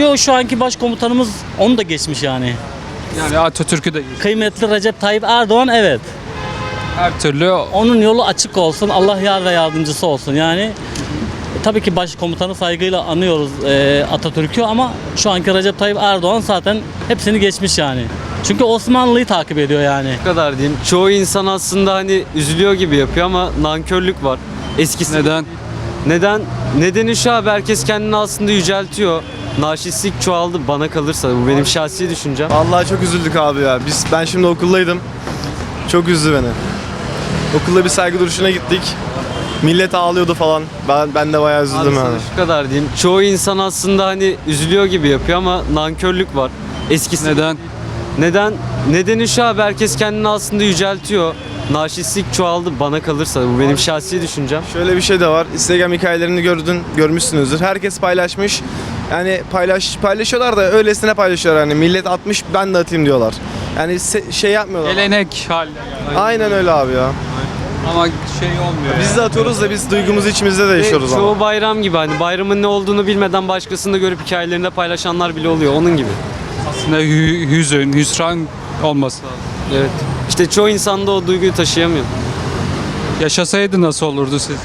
Yo, şu anki başkomutanımız onu da geçmiş yani. Yani Atatürk'ü de geçti. Kıymetli Recep Tayyip Erdoğan, evet. Her türlü Onun yolu açık olsun. Allah yar ve yardımcısı olsun. Yani tabii ki başkomutanı saygıyla anıyoruz Atatürk'ü, ama şu anki Recep Tayyip Erdoğan zaten hepsini geçmiş yani. Çünkü Osmanlı'yı takip ediyor yani. Bu kadar diyeyim. Çoğu insan aslında hani üzülüyor gibi yapıyor ama nankörlük var. Eskisi neden? Neden? Nedeni şu abi, herkes kendini aslında yüceltiyor. Narşistlik çoğaldı bana kalırsa. Bu benim şahsi düşüncem. Vallahi çok üzüldük abi ya. Ben şimdi okuldaydım. Çok üzdü beni. Okulda bir saygı duruşuna gittik. Millet ağlıyordu falan. Ben de bayağı Abi üzüldüm sana yani. şu kadar diyeyim. Çoğu insan aslında hani üzülüyor gibi yapıyor ama nankörlük var. Eskisi Neden? Neden? Nedeni şu abi, herkes kendini aslında yüceltiyor. Narşistlik çoğaldı bana kalırsa. Bu benim şahsi düşüncem. Şöyle bir şey de var. Instagram hikayelerini görmüşsünüzdür. Herkes paylaşmış. Yani paylaşıyorlar da öylesine paylaşıyorlar, hani millet atmış ben de atayım diyorlar. Yani şey yapmıyorlar. Gelenek haline geldi. Aynen öyle abi ya. Ama şey olmuyor. Biz de atıyoruz da biz duygumuzu içimizde de yaşıyoruz Çoğu ama. bayram gibi, hani bayramın ne olduğunu bilmeden başkasını da görüp hikayelerinde paylaşanlar bile oluyor. Onun gibi. Aslında hüsran olması lazım. Evet. İşte çoğu insan da o duyguyu taşıyamıyor. Yaşasaydı nasıl olurdu sizce?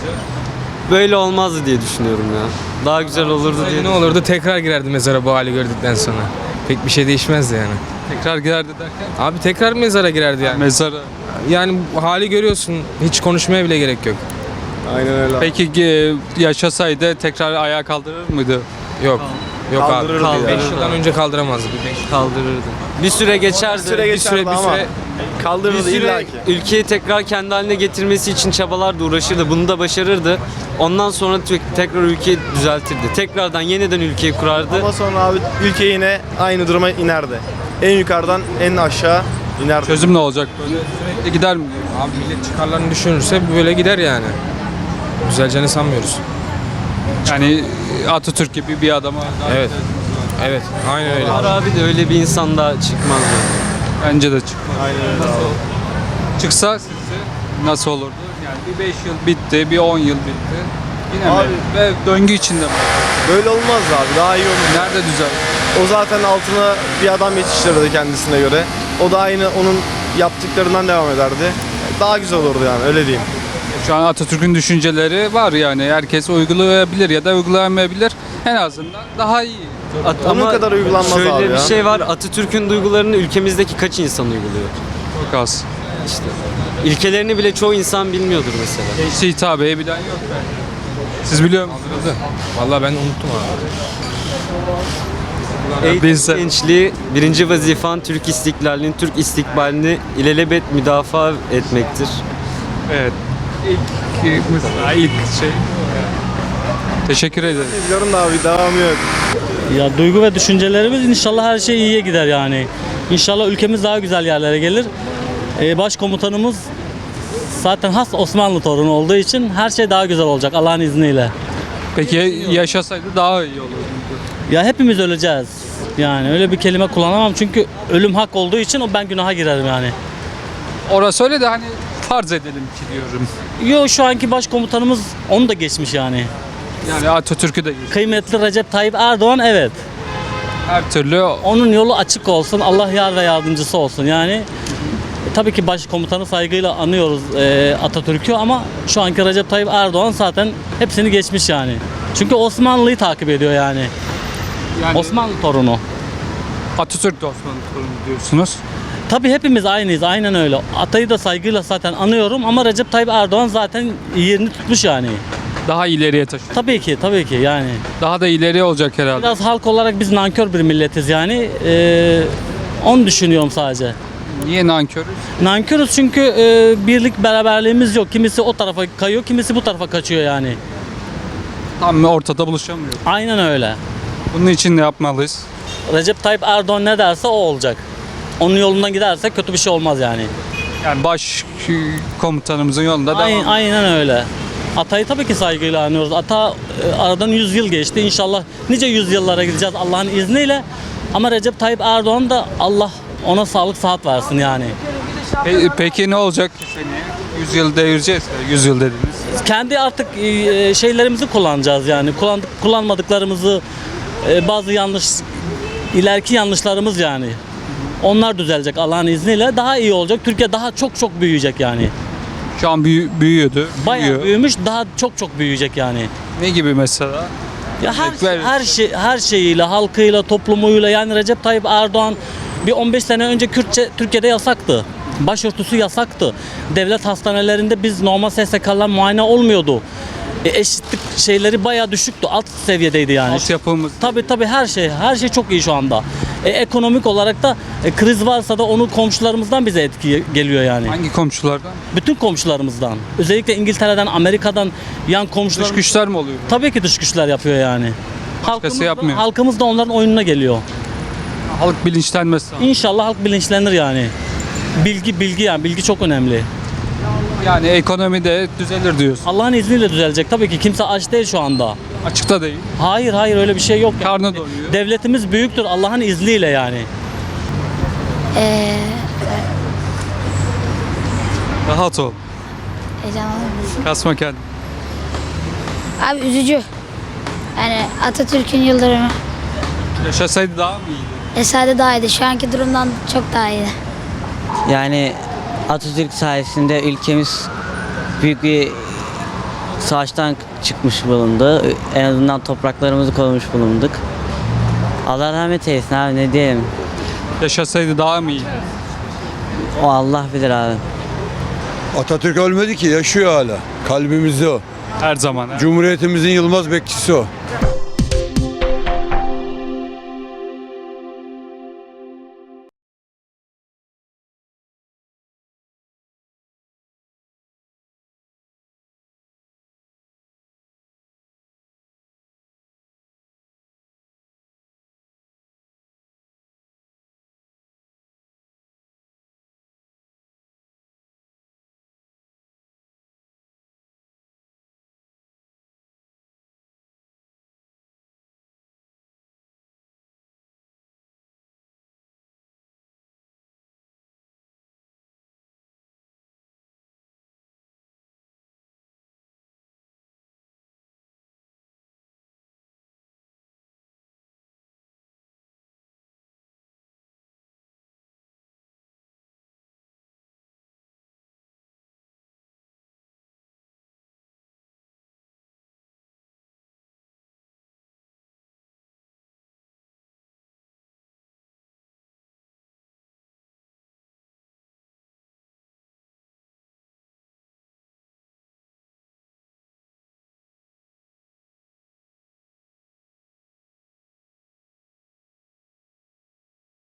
Böyle olmazdı diye düşünüyorum ya. Daha güzel olurdu diye. Ne olurdu? Tekrar girerdi mezara bu hali gördükten sonra. Pek bir şey değişmezdi yani. Tekrar girerdi derken? Abi tekrar mezara girerdi yani. Mezara. Yani bu hali görüyorsun. Hiç konuşmaya bile gerek yok. Aynen öyle abi. Peki yaşasaydı tekrar ayağa kaldırır mıydı? Yok. Yok Kaldırırdı abi. ya. 5 yıldan önce kaldıramazdı. Kaldırırdı. Bir süre geçerdi. Bir süre geçerdi ama kaldırırdı bir süre illa ki. ülkeyi tekrar kendi haline getirmesi için çabalardı, uğraşırdı. Bunu da başarırdı. Ondan sonra tekrar ülkeyi düzeltirdi. Tekrardan yeniden ülkeyi kurardı. Ama sonra abi ülke yine aynı duruma inerdi. En yukarıdan en aşağı inerdi. Çözüm ne olacak böyle? Sürekli gider mi? Abi millet çıkarlarını düşünürse böyle gider yani. Düzeleceğini sanmıyoruz. Yani Atatürk gibi bir adama Evet. Evet. Aynen öyle. Var abi de öyle bir insan da çıkmaz yani. bence de çıkmaz. Aynen öyle abi. Çıksa sizce nasıl olurdu? Yani bir 5 yıl bitti, bir 10 yıl bitti. Yine Abi- mi? Ve döngü içinde mi? Böyle olmazdı abi, daha iyi olur. Nerede düzel? O zaten altına bir adam yetiştirirdi kendisine göre. O da aynı onun yaptıklarından devam ederdi. Daha güzel olurdu yani, öyle diyeyim. Şu an Atatürk'ün düşünceleri var yani. Herkes uygulayabilir ya da uygulayamayabilir. En azından daha iyi. Onun kadar uygulanmaz şöyle abi bir ya. şey var. Atatürk'ün duygularını ülkemizdeki kaç insan uyguluyor? Çok az. İşte. İlkelerini bile çoğu insan bilmiyordur mesela. Gençliğe hitabeyi bilen yok belki. Siz biliyor musunuz? Vallahi ben unuttum abi. Eğitim Biz de- gençliği birinci vazifan Türk istiklalini, Türk istikbalini ilelebet müdafaa etmektir. Evet. İlk şey. Teşekkür ederim. Biliyorum da abi, devamı yok. Ya duygu ve düşüncelerimiz, inşallah her şey iyiye gider yani. İnşallah ülkemiz daha güzel yerlere gelir. Başkomutanımız zaten has Osmanlı torunu olduğu için her şey daha güzel olacak Allah'ın izniyle. Peki yaşasaydı daha iyi olurdu. Ya hepimiz öleceğiz. Yani öyle bir kelime kullanamam çünkü ölüm hak olduğu için ben günaha girerim yani. Orası öyle de hani farz edelim ki diyorum. Yo, şu anki başkomutanımız onu da geçmiş yani. Yani Atatürk'ü de geçti. Kıymetli Recep Tayyip Erdoğan, evet. Her türlü Onun yolu açık olsun. Allah yar ve yardımcısı olsun. Yani tabii ki başkomutanı saygıyla anıyoruz Atatürk'ü, ama şu anki Recep Tayyip Erdoğan zaten hepsini geçmiş yani. Çünkü Osmanlı'yı takip ediyor yani. yani Osmanlı torunu. Atatürk de Osmanlı torunu diyorsunuz. Tabii hepimiz aynıyız. Aynen öyle. Atayı da saygıyla zaten anıyorum, ama Recep Tayyip Erdoğan zaten yerini tutmuş yani. Daha ileriye taşıyor. Tabii ki yani. Daha da ileriye olacak herhalde. Biraz halk olarak biz nankör bir milletiz yani. Onu düşünüyorum sadece. Niye nankörüz? Nankörüz çünkü birlik beraberliğimiz yok. Kimisi o tarafa kayıyor, kimisi bu tarafa kaçıyor yani. Tam ortada buluşamıyoruz. Aynen öyle. Bunun için ne yapmalıyız? Recep Tayyip Erdoğan ne derse o olacak. Onun yolundan gidersek kötü bir şey olmaz yani. Yani baş komutanımızın yolunda devam. Aynen öyle. Atayı tabii ki saygıyla anıyoruz. Ata aradan 100 yıl geçti. İnşallah nice yüzyıllara gideceğiz Allah'ın izniyle. Ama Recep Tayyip Erdoğan da Allah ona sağlık sıhhat versin yani. Peki ne olacak seneye? 100 yıl devireceğiz. 100 yıl dediniz. Kendi artık şeylerimizi kullanacağız yani. Kullanmadıklarımızı bazı ileriki yanlışlarımız yani. Onlar düzelecek Allah'ın izniyle. Daha iyi olacak. Türkiye daha çok büyüyecek yani. Şu an büyüyordu. Bayağı büyüyor. büyümüş, daha çok büyüyecek yani. Ne gibi mesela? Ya Örnek ver. her şeyiyle, halkıyla, toplumuyla yani Recep Tayyip Erdoğan bir 15 sene önce Kürtçe Türkiye'de yasaktı. Başörtüsü yasaktı. Devlet hastanelerinde biz normal SSK'lar muayene olmuyordu. Eşitlik şeyleri bayağı düşüktü. Alt seviyedeydi yani. Altyapımız. Tabii her şey çok iyi şu anda. Ekonomik olarak da kriz varsa da onu komşularımızdan bize etki geliyor yani. Hangi komşulardan? Bütün komşularımızdan. Özellikle İngiltere'den, Amerika'dan yan Dış komşular. güçler mi oluyor? Tabii ki dış güçler yapıyor yani. Yapmıyor. Halkımız da onların oyununa geliyor. Halk bilinçlenmesi. İnşallah halk bilinçlenir yani. Bilgi yani bilgi çok önemli. Yani ekonomi de düzelir diyorsun. Allah'ın izniyle düzelecek. Tabii ki kimse aç değil şu anda. Açıkta değil. Hayır öyle bir şey yok. Yani. Karnı doyuyor. Devletimiz büyüktür Allah'ın izniyle yani. Rahat ol. Heyecanlandım. Kasma kendini. Abi üzücü. Yani Atatürk'ün yıldırımı. Yaşasaydı daha mı iyiydi? Esade daha iyiydi. Şu anki durumdan çok daha iyiydi. Yani Atatürk sayesinde ülkemiz büyük bir savaştan çıkmış bulundu. En azından topraklarımızı korumuş bulunduk. Allah rahmet eylesin abi, ne diyelim. Yaşasaydı daha mı iyiydi? O Allah bilir abi. Atatürk ölmedi ki, yaşıyor hala. Kalbimizde o. Her zaman. Cumhuriyetimizin yılmaz bekçisi o.